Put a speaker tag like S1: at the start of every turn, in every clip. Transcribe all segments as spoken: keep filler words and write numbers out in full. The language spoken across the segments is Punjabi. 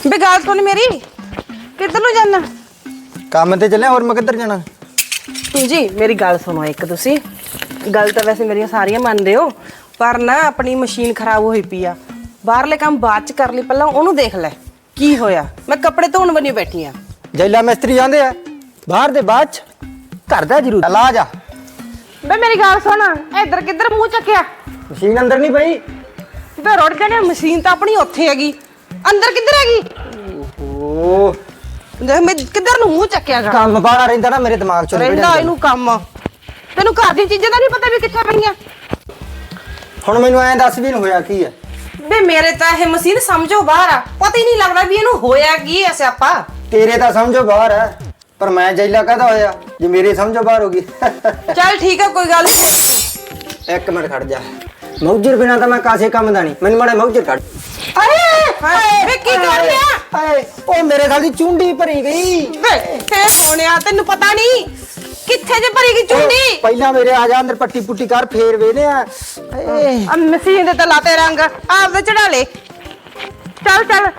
S1: बे गाल सुन मेरी किधर नु जाना
S2: काम ते चले और मैं किधर जाना
S1: जी मेरी गल सुनो एक तुसी गल तो वैसे मेरी सारियां मनदे हो पर ना अपनी मशीन खराब होई पई आ बाहरले काम बाद च कर ली पहला ओनू देख ले की होया मैं कपड़े धोण बनी बैठी आ
S2: जैला मिस्त्री आंदे आ बाहर दे बाद च घर दा जरूर ला जा
S1: बे मेरी गल सुन इधर किधर मुंह चक्या
S2: मशीन अंदर नहीं पई
S1: बे रोड जाने मशीन तो अपनी ओथे हैगी अंदर किधर हैगी
S2: ओह
S1: देख मैं किधर नु मुंह चक्या गा
S2: काम बाड़ा रहंदा ना मेरे दिमाग चों
S1: रहंदा इनू काम तेनू घर दी चीज़ां दा नहीं पता भी कित्थे पईयां
S2: हुण मैनू ऐ दस भी होया की है
S1: बे मेरे ता ये मशीन समझो बाहर आ पता ही नहीं लगदा भी इनू होया की है स्यापा
S2: तेरे ता समझो बाहर है पर मैं जैला कहदा होया जे मेरे समझो बाहर होगी
S1: चल ठीक है कोई गल नहीं
S2: एक मिनट खड़ जा मौजर बिना तो मैं कासे काम दा नहीं मैनू माड़े मौजर खड़
S1: अरे वे की कर लिया
S2: हाय ओ मेरे साल दी चुंडी भरी गई
S1: वे हे सोनिया तेनू पता नहीं किथे जे भरी गई चुंडी
S2: पहला मेरे आ जा अंदर पट्टी पुट्टी कर फेर वेने आ
S1: अब मशीन दे ते लाते रंग आप दे चढ़ा ले चल चल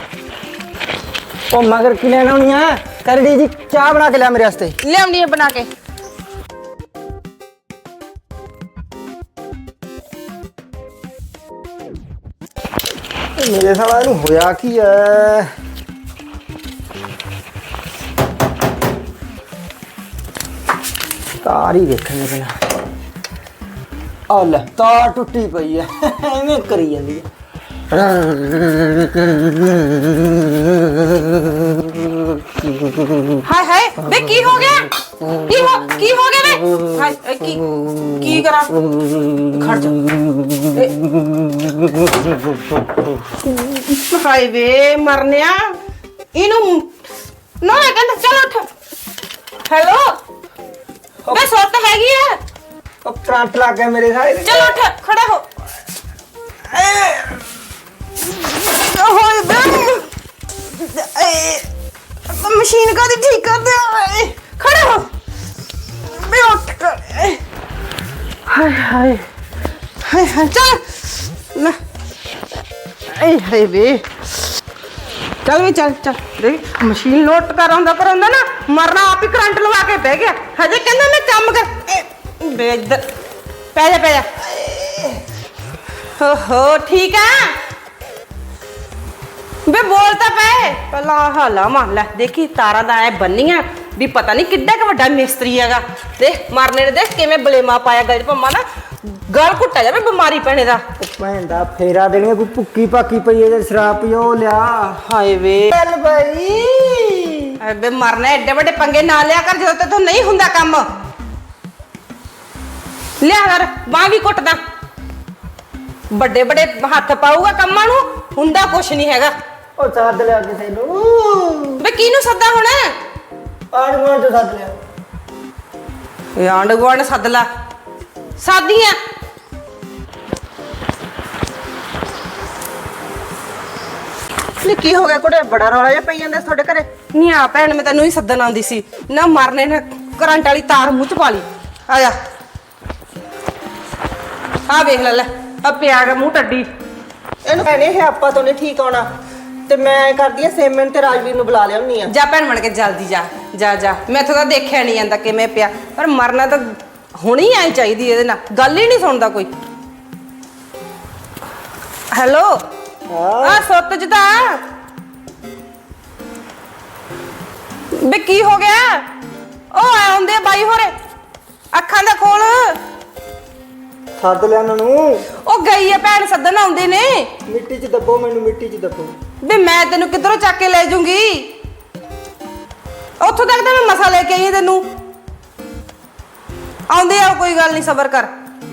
S2: ओ मगर की लेना होनी है करड़ी जी चाय बना के ले मेरे वास्ते
S1: ले आउनी है बना के
S2: मेरे साला नु होया की है तार ही देखने बिना आ ले तार टुटी पई है एवें करी जांदी है
S1: हाय हाय बे की हो गया की हो की हो गया बे हाय की की करा खड़ जा हाय बे मरनिया इनु ना कहंदा चल उठ हेलो बे सोत हैगी है
S2: ओ करंट लग गया मेरे साले
S1: चल उठ खड़ा हो होय बे मशीन का दी ठीक कर दे खड़े हो बे उठ कर हाय हाय हाय हाय चल ना ए हाय बे चल भी चल चल देख मशीन लोट कर आंदा कर आंदा ना मरना आप ही करंट लगा के बह गया हजे कहंदा मैं काम कर बे इधर पै जा पै जा हो हो ठीक है बे बोलता पे पहला हाला मान ले देखी तारा दा ऐ बन्नियां भी पता नहीं किड्डा क वड्डा मिस्त्री हैगा देख मारने ने देख किवें बलेमा पाया गल पम्मा ना गल घुट्टा जावे बीमारी पैने दा
S2: भैन दा फेरा देनी कोई भुक्की पाकी पई है शराब पियो लिया
S1: हाय वे
S2: चल भाई
S1: अबे मरने एडे बड़े पंगे ना लिया कर जदों ते तो नहीं हुंदा काम लिया कर बाह भी घुटदा बड़े बड़े हाथ पाऊगा कम्मा नु हुंदा कुछ नहीं हैगा
S2: ओ साथ लिया किसे नु
S1: बे किनु सद्दा हुण
S2: आड़ गोड़ तो साथ लिया
S1: ए आंड गोड़ सद ला सादियां नी की हो गया कुड़े बड़ा रौला जा पई जांदा ਤੁਹਾਡੇ ਘਰੇ नहीं आ भैन मैं तैनू ही सद्दन आंदी सी ना मरने ने करंट वाली तार मुंह च पा ली आ जा आ देख ले ले अब पिया गया मुंह टड्डी
S3: ਇਹਨੂੰ ਭੈਣੇ ਇਹ ਆਪਾਂ ਤੋਂ ਨਹੀਂ ਠੀਕ ਆਉਣਾ ਤੇ ਮੈਂ ਕਰਦੀ ਆ ਸੇਮਨ ਤੇ ਰਾਜਵੀਰ ਨੂੰ ਬੁਲਾ ਲਿਆਉਣੀ ਆ
S1: जा भैन बन के जल्दी जा जा जा मैथों तो देखिया नहीं जाता किवें पिया पर मरना तो हुणी आई चाहिदी ਇਹਦੇ ਨਾਲ ਗੱਲ ਹੀ ਨਹੀਂ ਸੁਣਦਾ ਕੋਈ ਹੈਲੋ ਆ ਸੁੱਤ ਜਦਾ ਬੇ ਕੀ ਹੋ ਗਿਆ ਉਹ ਆਉਂਦੇ ਬਾਈ ਹੋਰੇ ਅੱਖਾਂ ਦਾ ਖੋਲ
S2: ਸੱਦ ਲਿਆ ਉਹਨਾਂ ਨੂੰ
S1: ਉਹ ਗਈ ਹੈ ਭੈਣ ਸੱਦਣ ਆਉਂਦੇ ਨੇ
S2: ਮਿੱਟੀ 'ਚ ਦੱਬੋ ਮੈਨੂੰ ਮਿੱਟੀ 'ਚ ਦੱਬੋ
S1: ਬੇ ਮੈਂ ਤੈਨੂੰ ਕਿੱਧਰੋਂ ਚੱਕ ਕੇ ਲੈ ਜੂੰਗੀ ਉੱਥੋਂ ਤੱਕ ਤਾਂ ਮੈਂ ਮਸਾ ਲੈ ਕੇ ਆਈ ਤੈਨੂੰ ਆਉਂਦੇ ਆ ਕੋਈ ਗੱਲ ਨਹੀਂ ਸਬਰ ਕਰ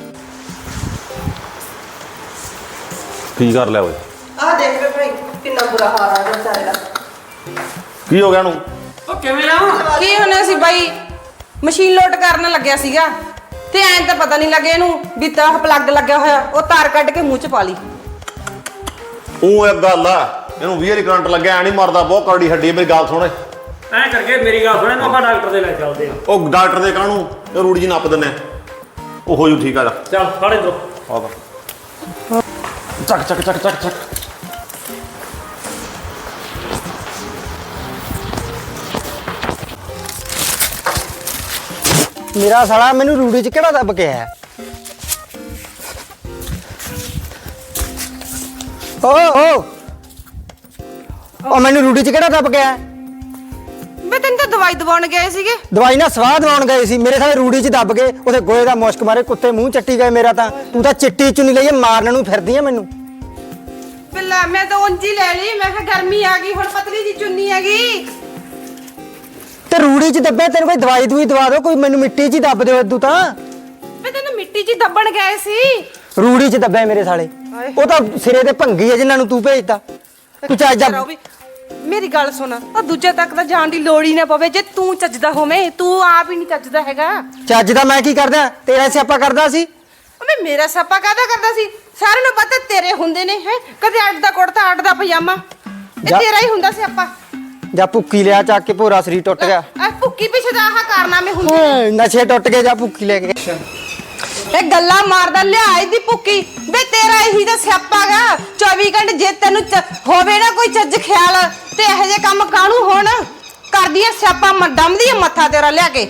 S4: ਕੀ ਕਰ ਲਿਆ ਓਏ
S3: ਆਹ ਦੇਖ ਵੇ ਭਾਈ ਕਿੰਨਾ ਬੁਰਾ ਹਾਲ ਆ ਗਿਆ ਵਿਚਾਰੇ ਦਾ
S4: ਕੀ ਹੋ ਗਿਆ ਨੂੰ
S3: ਉਹ ਕਿਵੇਂ ਲਾਵਾਂ
S1: ਕੀ ਹੋਣਾ ਸੀ ਬਾਈ ਮਸ਼ੀਨ ਲੋਡ ਕਰਨ ਲੱਗਿਆ ਸੀਗਾ ਤੇ ਐਂ ਤਾਂ ਪਤਾ ਨਹੀਂ ਲੱਗਿਆ ਇਹਨੂੰ ਵੀ ਤਾਂ ਪਲੱਗ ਲੱਗਿਆ ਹੋਇਆ ਉਹ ਤਾਰ ਕੱਢ ਕੇ ਮੂੰਹ 'ਚ ਪਾ ਲਈ
S4: ਉਹ ਇੱਕ ਗੱਲ ਆ ਇਹਨੂੰ ਵੀਹ ਵਾਲੀ ਕਰੰਟ ਲੱਗਿਆ ਐ ਨਹੀਂ ਮਰਦਾ ਬਹੁਤ ਕਰੜੀ ਹੱਡੀ ਮੇਰੀ ਗੱਲ ਸੁਣ
S5: ਐ ਕਰਕੇ ਮੇਰੀ ਗੱਲ ਸੁਣੇ ਨਾ ਆਪਾਂ ਡਾਕਟਰ ਦੇ ਲੈ ਚੱਲਦੇ ਆ
S4: ਉਹ ਡਾਕਟਰ ਦੇ ਕਾਹਨੂੰ ਇਹ ਰੂੜੀ ਜੀ ਨੱਪ ਦਿੰਨੇ ਉਹ ਹੋ ਜੂ ਠੀਕ ਆ ਜਾ
S5: ਚੱਲ ਫੜ ਇਧਰੋਂ
S4: ਆਹ ਚੱਕ ਚੱਕ ਚੱਕ ਚੱਕ ਚੱਕ
S2: ਮੇਰਾ ਸਾਲਾ ਮੈਨੂੰ ਰੂੜੀ 'ਚ ਕਿਹੜਾ ਦੱਬ ਕੇ ਆਇਆ? ਓ ਓ ਉਹ ਮੈਨੂੰ ਰੂੜੀ 'ਚ ਕਿਹੜਾ ਦੱਬ ਕੇ ਆਇਆ?
S1: ਵੇ ਤੈਨੂੰ ਤਾਂ ਦਵਾਈ ਦਵਾਉਣ ਗਏ ਸੀਗੇ।
S2: ਦਵਾਈ ਨਾਲ ਸਵਾਹ ਦਵਾਉਣ ਗਏ ਸੀ, ਮੇਰੇ ਸਾਲੇ ਰੂੜੀ 'ਚ ਦੱਬ ਗਏ, ਉਥੇ ਗੋਏ ਦਾ ਮੁਸ਼ਕ ਮਾਰੇ ਕੁੱਤੇ ਮੂੰਹ ਚੱਟੀ ਗਏ ਮੇਰਾ। ਤਾਂ ਤੂੰ ਤਾਂ ਚਿੱਟੀ ਚੁੰਨੀ ਲਈਏ ਮਾਰਨ ਨੂੰ ਫਿਰਦੀ ਆ ਮੈਨੂੰ।
S1: ਬਿੱਲਾ ਮੈਂ ਤਾਂ ਉਂਝ ਹੀ ਲੈ ਲਈ, ਮੈਂ ਕਿਹਾ ਗਰਮੀ ਆ ਗਈ ਹੁਣ ਪਤਲੀ ਜੀ ਚੁੰਨੀ ਹੈਗੀ।
S2: ਤੇ ਰੂੜੀ 'ਚ ਦੱਬਿਆ, ਤੈਨੂੰ ਕੋਈ ਦਵਾਈ ਦੂਈ ਦਵਾ ਦਿਓ, ਕੋਈ ਮੈਨੂੰ ਮਿੱਟੀ 'ਚ ਹੀ ਦੱਬ ਦਿਓ ਇਦੂ ਤਾਂ।
S1: ਵੇ ਤੈਨੂੰ ਮਿੱਟੀ 'ਚ ਦੱਬਣ ਗਏ ਸੀ।
S2: ਰੂੜੀ 'ਚ ਦੱਬਿਆ ਮੇਰੇ ਸਾਲੇ, ਉਹ ਤਾਂ ਸਿਰੇ ਤੇ ਭੰਗੀ ਆ ਜਿਨ੍ਹਾਂ ਨੂੰ ਤੂੰ ਭੇਜਦਾ। ਤੂੰ ਚੱਜ ਦਾ
S1: ਮੇਰੀ ਗੱਲ ਸੁਣ, ਆ ਦੂਜੇ ਤੱਕ ਤਾਂ ਜਾਣ ਦੀ ਲੋੜ ਹੀ ਨਾ ਪਵੇ ਜੇ ਤੂੰ ਚੱਜਦਾ ਹੋਵੇਂ। ਤੂੰ ਆਪ ਹੀ ਨਹੀਂ ਚੱਜਦਾ ਹੈਗਾ।
S2: ਚੱਜ ਦਾ ਮੈਂ ਕੀ ਕਰਦਾ? ਤੇਰਾ ਸਿਆਪਾ ਕਰਦਾ ਸੀ।
S1: ਓਏ ਮੇਰਾ ਸਿਆਪਾ ਕਾਹਦਾ ਕਰਦਾ ਸੀ? ਸਾਰਿਆਂ ਨੂੰ ਪਤਾ ਤੇਰੇ ਹੁੰਦੇ ਨੇ ਹੈ, ਕਦੇ ਅੱਡ ਦਾ ਕੁੜਤਾ ਅੱਡ ਦਾ ਪਜਾਮਾ, ਇਹ
S2: ਜਾ-
S1: ਤੇਰਾ ਹੀ ਹੁੰਦਾ ਸਿਆਪਾ।
S2: ਜਾਂ ਭੁੱਕੀ ਲਿਆ ਚੱਕ ਕੇ, ਭੋਰਾ ਸਰੀਰ ਟੁੱਟ ਗਿਆ।
S1: ਆ ਭੁੱਕੀ ਪਿੱਛੇ ਦਾ ਆਹ ਕਾਰਨਾਮੇ ਹੁੰਦੇ ਨੇ।
S2: ਓਏ ਨਸ਼ੇ ਟੁੱਟ ਗਏ, ਜਾਂ ਭੁੱਕੀ ਲੈ ਕੇ।
S1: ਇਹ ਗੱਲਾਂ ਮਾਰਦਾ ਲਿਆ ਇਹਦੀ ਭੁੱਕੀ। ਵੇ ਤੇਰਾ ਇਹੀ ਤਾਂ ਸਿਆਪਾਗਾ। ਚੌਵੀ ਘੰਟੇ ਜੇ ਤੈਨੂੰ ਚ- ਹੋਵੇ ਨਾ ਕੋਈ ਚੱਜ ਖਿਆਲ ਤੇ ਇਹੋ ਜਿਹੇ ਕੰਮ ਕਾਹਨੂੰ ਹੋਣ? ਕਰਦੀ ਐ ਸਿਆਪਾ, ਦਮਦੀ ਐ ਮੱਥਾ ਤੇਰਾ ਲਿਆ ਕੇ।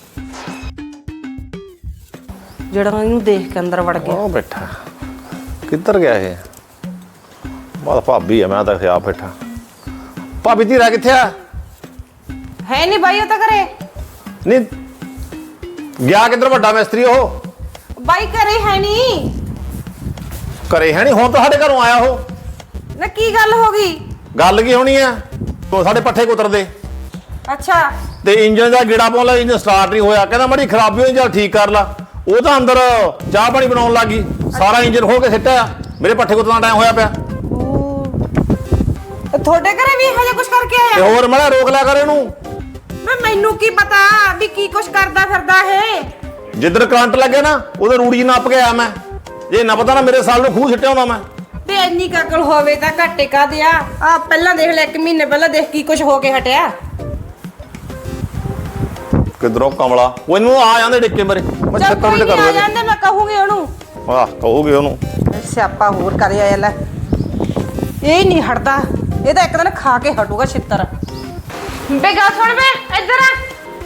S1: ਜਿਹੜਾ ਇਹਨੂੰ ਦੇਖ ਕੇ ਅੰਦਰ ਵੜ ਗਿਆ।
S4: ਉਹ ਬੈਠਾ ਕਿੱਧਰ ਗਿਆ ਇਹ? ਬਾਤ ਭਾਬੀ ਆ, ਮੈਂ ਤਾਂ ਖਿਆ ਬੈਠਾ। ਭਾਬੀ ਧੀਰਾ ਕਿੱਥੇ ਆ?
S1: ਹੈ ਨਹੀਂ ਬਾਈ ਉਹ ਤਾਂ ਘਰੇ।
S4: ਨਹੀਂ ਗਿਆ ਕਿੱਧਰ ਵੱਡਾ ਮਿਸਤਰੀ? ਉਹ
S1: ਬਾਈ ਘਰੇ ਹੈ ਨਹੀਂ।
S4: ਘਰੇ ਹੈ ਨਹੀਂ? ਹੁਣ ਤਾਂ ਸਾਡੇ ਘਰੋਂ ਆਇਆ ਉਹ।
S1: ਨਾ ਕੀ ਗੱਲ ਹੋ ਗਈ?
S4: ਗੱਲ ਕੀ ਹੋਣੀ ਆ? ਤੂੰ ਸਾਡੇ ਪੱਠੇ ਕੁਤਰਦੇ
S1: ਅੱਛਾ
S4: ਤੇ ਇੰਜਨ ਦਾ ਗੇੜਾ ਪਾਉਣ ਲੱਗਾ, ਇੰਜਨ ਸਟਾਰਟ ਨਹੀਂ ਹੋਇਆ। ਕਹਿੰਦਾ ਮੜੀ ਖਰਾਬੀ ਹੋਈ, ਚੱਲ ਠੀਕ ਕਰ ਲਾ। ਉਹ ਤਾਂ ਅੰਦਰ ਚਾਹ ਪਾਣੀ ਬਣਾਉਣ ਲੱਗੀ, ਸਾਰਾ ਇੰਜਨ ਖੋਲ ਕੇ ਸਿੱਟਿਆ। ਮੇਰੇ ਪੱਠੇ ਕੁਤਰਨ ਦਾ ਟਾਈਮ ਹੋਇਆ ਪਿਆ।
S1: ਤੁਹਾਡੇ ਘਰੇ ਵੀ ਇਹੋ ਜਿਹਾ ਕੁਝ ਕਰਕੇ
S4: ਤੇ
S1: ਆਇਆ?
S4: ਹੋਰ ਮੈਂ ਰੋਕ ਲਿਆ ਕਰ ਇਹਨੂੰ।
S1: ਮੈਂ ਮੈਨੂੰ ਕੀ ਪਤਾ ਵੀ ਕੀ ਕੁਝ ਕਰਦਾ ਫਿਰਦਾ ਇਹ।
S4: ਜਿੱਧਰ ਕਰੰਟ ਲੱਗੇ ਨਾ ਉਹਦੇ ਰੂੜੀ ਨੱਪ ਕੇ ਆਇਆ ਮੈਂ। ਜੇ ਨਾ ਪਤਾ ਨਾ ਮੇਰੇ ਸਾਲ ਨੂੰ ਖੂਹ ਸਿੱਟਿਆ ਹੁੰਦਾ ਮੈਂ।
S1: ਤੇ ਇੰਨੀ ਕਾਕਲ ਹੋਵੇ ਤਾਂ ਘਾਟੇ ਕਾਦੇ ਆ? ਆ ਪਹਿਲਾਂ ਦੇਖ ਲੈ, ਇੱਕ ਮਹੀਨੇ ਪਹਿਲਾਂ ਦੇਖ ਕੀ ਕੁਝ ਹੋ ਕੇ ਹਟਿਆ।
S4: ਕਿਧਰੋਂ ਕਮਲਾ ਉਹ ਇਹਨੂੰ ਆ ਜਾਂਦੇ ਡਿੱਕੇ ਮੇਰੇ। ਮੈਂ
S1: ਚੱਲ
S4: ਛੱਤਾਂ
S1: ਕੋਈ
S4: ਤੇ
S1: ਨਹੀਂ,
S4: ਕਰ
S1: ਆ
S4: ਲਵਾਂਗੇ।
S1: ਜਾਂਦੇ, ਮੈਂ ਕਹੂੰਗੀ ਉਹਨੂੰ।
S4: ਆਹ ਕਹੋਗੇ ਉਹਨੂੰ।
S1: ਸਿਆਪਾ ਹੋਰ ਕਰਿਆ ਇਹ ਲੈ, ਇਹ ਨਹੀਂ ਹਟਦਾ। ਇਹ ਤਾਂ ਇੱਕ ਦਿਨ ਖਾ ਕੇ ਹਟੂਗਾ ਛਿੱਤਰ। ਬੇ ਗੱਲ ਸੁਣ ਬੇ, ਇੱਧਰ ਆ।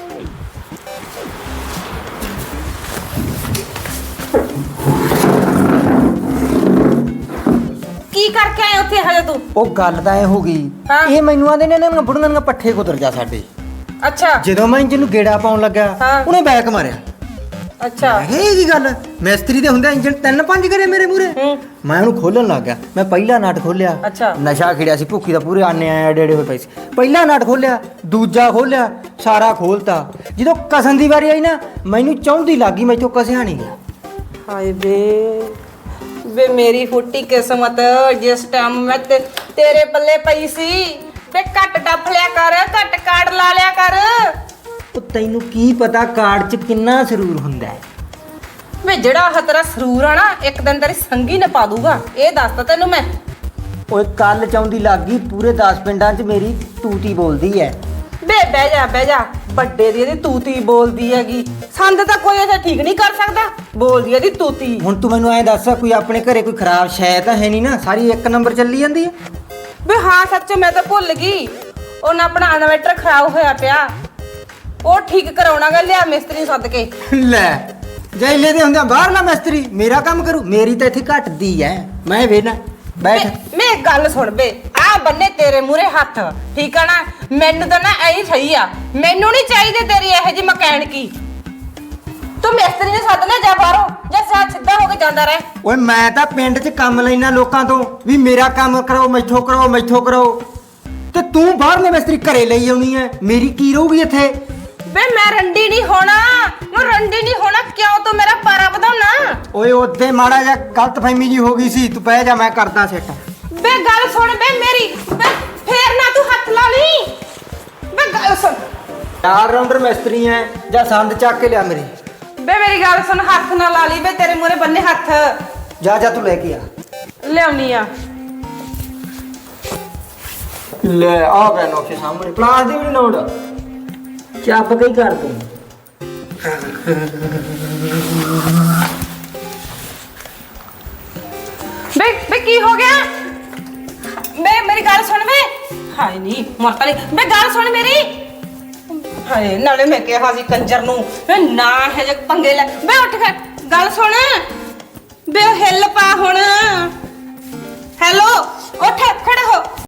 S1: ਕੀ ਕਰਕੇ ਆਏ ਉੱਥੇ ਹਜੇ ਤੂੰ?
S2: ਉਹ ਗੱਲ ਤਾਂ ਐ ਹੋ ਗਈ,
S1: ਹਾਂ।
S2: ਇਹ ਮੈਨੂੰ ਆਂਦੇ ਨੇ ਇਹਨਾਂ ਬੁੜੀਆਂ ਦੀਆਂ ਪੱਠੇ ਕੁਤਰ ਜਾ ਸਾਡੇ।
S1: ਅੱਛਾ
S2: ਜਦੋਂ ਮੈਂ ਇੰਜਨ ਨੂੰ ਗੇੜਾ ਪਾਉਣ ਲੱਗਾ,
S1: ਹਾਂ।
S2: ਉਹਨੇ ਬੈਕ ਮਾਰਿਆ।
S1: ਅੱਛਾ
S2: ਮੈਂ ਕਿਹਾ ਇਹ ਕੀ ਗੱਲ? ਮਿਸਤਰੀ ਦੇ ਹੁੰਦਾ ਇੰਜਨ ਤਿੰਨ ਪੰਜ ਕਰੇ ਮੇਰੇ ਮੂਰੇ।
S1: ਹੂੰ।
S2: ਮੈਂ ਉਹਨੂੰ ਖੋਲਣ ਲੱਗ ਗਿਆ। ਮੈਂ ਪਹਿਲਾ ਨਟ ਖੋਲਿਆ,
S1: ਅੱਛਾ।
S2: ਨਸ਼ਾ ਖਿੜਿਆ ਸੀ, ਭੁੱਖੀ ਦਾ ਪੂਰੇ ਆਨੇ ਆਏ ਏਡੇ ਏਡੇ ਹੋਏ ਪਏ ਸੀ। ਪਹਿਲਾ ਨਟ ਖੋਲਿਆ, ਦੂਜਾ ਖੋਲਿਆ, ਸਾਰਾ ਖੋਲਤਾ। ਜਦੋਂ ਕਸਣ ਦੀ ਵਾਰੀ ਆਈ ਨਾ, ਮੈਨੂੰ ਚੌਂਦੀ ਲੱਗੀ, ਮੈਥੋਂ ਕਸਿਆ ਨਹੀਂ ਗਿਆ।
S1: ਹਾਏ ਬੇ ਵੇ ਮੇਰੀ ਫੁੱਟੀ ਕਿਸਮਤ, ਜਿਸ ਟਾਈਮ ਮੈਂ ਤੇ ਤੇਰੇ ਪੱਲੇ ਪਈ ਸੀ। ਵੇ ਘੱਟ ਡੱਫ ਲਿਆ ਕਰ, ਘੱਟ ਕਾੜ ਲਾ ਲਿਆ ਕਰ।
S2: ਉਹ ਤੈਨੂੰ ਕੀ ਪਤਾ ਕਾਰਡ 'ਚ ਕਿੰਨਾ ਸਰੂਰ ਹੁੰਦਾ ਹੈ?
S1: ਵੇ ਜਿਹੜਾ ਆਹ ਤੇਰਾ ਸਰੂਰ ਆ ਨਾ, ਇੱਕ ਦਿਨ ਤੇਰੀ ਸੰਗੀ ਨਾ ਪਾ ਦੂਗਾ, ਇਹ ਦੱਸਦਾ ਤੈਨੂੰ ਮੈਂ।
S2: ਓਏ ਕੱਲ ਚੌਂਦੀ ਲੱਗੀ, ਪੂਰੇ ਦਸ ਪਿੰਡਾਂ 'ਚ ਮੇਰੀ ਤੂਤੀ ਬੋਲਦੀ ਐ।
S1: ਬੇ ਬਹਿ ਜਾ ਬਹਿ ਜਾ, ਵੱਡੇ ਦੀ ਇਹਦੀ ਤੂਤੀ ਬੋਲਦੀ ਹੈਗੀ। ਸੰਦ ਤਾਂ ਕੋਈ ਇੱਥੇ ਠੀਕ ਨਹੀਂ ਕਰ ਸਕਦਾ, ਬੋਲਦੀ ਇਹਦੀ ਤੂਤੀ।
S2: ਹੁਣ ਤੂੰ ਮੈਨੂੰ ਐਂ ਦੱਸ, ਕੋਈ ਆਪਣੇ ਘਰੇ ਕੋਈ ਖਰਾਬ ਸ਼ੈ ਤਾਂ ਹੈ ਨਹੀਂ ਨਾ? ਸਾਰੀ ਇੱਕ ਨੰਬਰ ਚੱਲੀ ਜਾਂਦੀ ਐ।
S1: ਵੇ ਹਾਂ ਸੱਚ, ਮੈਂ ਤਾਂ ਭੁੱਲ ਗਈ। ਉਹਨਾਂ ਆਪਣਾ ਇਨਵਰਟਰ ਖਰਾਬ ਹੋਇਆ ਪਿਆ, ਉਹ ਠੀਕ ਕਰਾਉਣਾਗਾ। ਲਿਆ ਮਿਸਤਰੀ ਸੱਦ ਕੇ।
S2: ਲੈ ਜੈਲੇ ਦੇ ਹੁੰਦਿਆਂ ਬਾਹਰਲਾ ਮਿਸਤਰੀ ਮੇਰਾ ਕੰਮ ਕਰੂ? ਮੇਰੀ ਤਾਂ ਇੱਥੇ ਘਟਦੀ ਐ। ਮੈਂ ਵੇਨਾ ਬੈਠ।
S1: ਮੈਂ ਗੱਲ ਸੁਣ ਬੇ, ਆ ਬੰਨੇ ਤੇਰੇ ਮੂਰੇ ਹੱਥ, ਠੀਕ ਆ ਨਾ? ਮੈਨੂੰ ਤਾਂ ਨਾ ਐਂ ਸਹੀ ਆ, ਮੈਨੂੰ ਨਹੀਂ ਚਾਹੀਦੀ ਤੇਰੀ ਇਹੋ ਜਿਹੀ ਮਕੈਨਿਕੀ। ਤੂੰ ਮਿਸਤਰੀ ਨੇ ਸੱਦ ਲੈ, ਜਾ ਬਾਹਰੋਂ, ਜਾਂ ਸਾਥ ਸਿੱਧਾ ਹੋ ਕੇ ਜਾਂਦਾ ਰਹਿ।
S2: ਓਏ ਮੈਂ ਤਾਂ ਪਿੰਡ 'ਚ ਕੰਮ ਲੈਣਾ ਲੋਕਾਂ ਤੋਂ ਵੀ ਮੇਰਾ ਕੰਮ ਕਰਾਓ, ਮੈਥੋਂ ਕਰਾਓ, ਮੈਥੋਂ ਕਰਾਓ, ਤੇ ਤੂੰ ਬਾਹਰਲੇ ਮਿਸਤਰੀ ਘਰੇ ਲਈ ਆਉਣੀ ਐ। ਮੇਰੀ ਕੀ ਰਹੂਗੀ ਇੱਥੇ?
S1: ਬੇ ਮੈਂ ਰੰਡੀ ਨਹੀਂ ਹੋਣਾ, ਮੈਂ ਰੰਡੀ ਨਹੀਂ ਹੋਣਾ। ਕਿਉਂ ਤੂੰ ਮੇਰਾ ਪਾਰਾ ਵਧਾਉਣਾ?
S2: ਓਏ ਉੱਥੇ ਮਾੜਾ ਜਿਹਾ ਗਲਤਫਹਿਮੀ ਜੀ ਹੋ ਗਈ ਸੀ। ਤੂੰ ਬਹਿ ਜਾ, ਮੈਂ ਕਰਦਾ ਸੈੱਟ।
S1: ਬੇ ਗੱਲ ਸੁਣ ਬੇ ਮੇਰੀ, ਬੇ ਫੇਰ ਨਾ ਤੂੰ ਹੱਥ ਲਾ ਲਈ। ਬੇ ਗੱਲ ਸੁਣ,
S2: ਚਾਰ ਰਾਉਂਡਰ ਮਿਸਤਰੀ ਐ, ਜਾਂ ਸੰਦ ਚੱਕ ਕੇ ਲਿਆ ਮੇਰੇ।
S1: ਬੇ ਮੇਰੀ ਗੱਲ ਸੁਣ, ਹੱਥ ਨਾ ਲਾ ਲਈ। ਬੇ ਤੇਰੇ ਮੂਰੇ ਬੰਨੇ ਹੱਥ।
S2: ਜਾ ਜਾ ਤੂੰ ਲੈ ਕੇ ਆ।
S1: ਲਿਆਉਣੀ ਆ।
S2: ਲੈ ਆ ਗਿਆ ਨੋਕੇ ਸਾਹਮਣੇ, ਪਲਾਸ ਦੀ ਵੀ ਨੀ ਲੋੜ, ਚੱਪ ਕੇ ਹੀ ਕਰ ਤੂੰ।
S1: ਬੇ ਬੇ ਕੀ ਹੋ ਗਿਆ? ਬੇ ਮੇਰੀ ਗੱਲ ਸੁਣ ਵੇ। ਹਾਏ ਨਹੀਂ ਮਰਤਾ ਨਹੀਂ। ਬੇ ਗੱਲ ਸੁਣ ਮੇਰੀ। ਹਾਏ ਨਾਲੇ ਮੈਂ ਕਿਹਾ ਸੀ ਕੰਜਰ ਨੂੰ ਵੇ ਨਾ ਹੈ ਜੇ ਪੰਗੇ ਲੈ ਬੇ ਉੱਠ ਕੇ ਗੱਲ ਸੁਣ ਬੇ ਉਹ ਹੈ